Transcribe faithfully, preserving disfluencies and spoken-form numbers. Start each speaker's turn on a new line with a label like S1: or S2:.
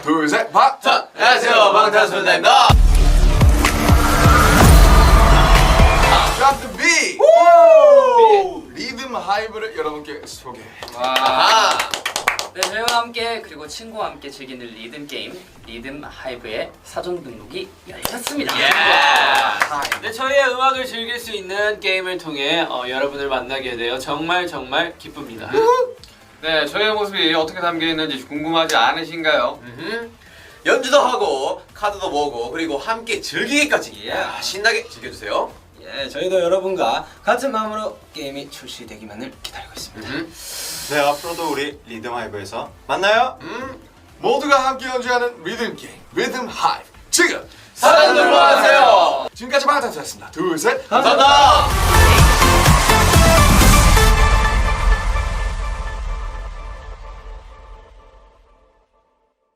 S1: 둘, 셋, 방탄!
S2: 안녕하세요, 방탄소년단입니다.
S1: 샤프 B! 리듬 하이브를 여러분께 소개.
S2: 아하.
S3: 네, 저희와 함께 그리고 친구와 함께 즐기는 리듬 게임 리듬 하이브의 사전 등록이 열렸습니다.
S2: 예. 네, 저희의 음악을 즐길 수 있는 게임을 통해 어, 여러분을 만나게 되어 정말 정말 기쁩니다.
S4: 네, 저희의 모습이 어떻게 담겨 있는지 궁금하지 않으신가요?
S5: 음흠. 연주도 하고 카드도 모으고 그리고 함께 즐기기까지
S2: 예.
S5: 야, 신나게 즐겨주세요.
S6: 예, 저희도 여러분과 같은 마음으로 게임이 출시되기만을 기다리고 있습니다.
S5: 음.
S7: 네, 앞으로도 우리 리듬 하이브에서 만나요.
S1: 음, 모두가 함께 연주하는 리듬 게임, 리듬 하이브. 지금
S2: 사전 등록하세요.
S1: 지금까지 방탄소년단이었습니다. 둘, 셋,
S2: 감사합니다.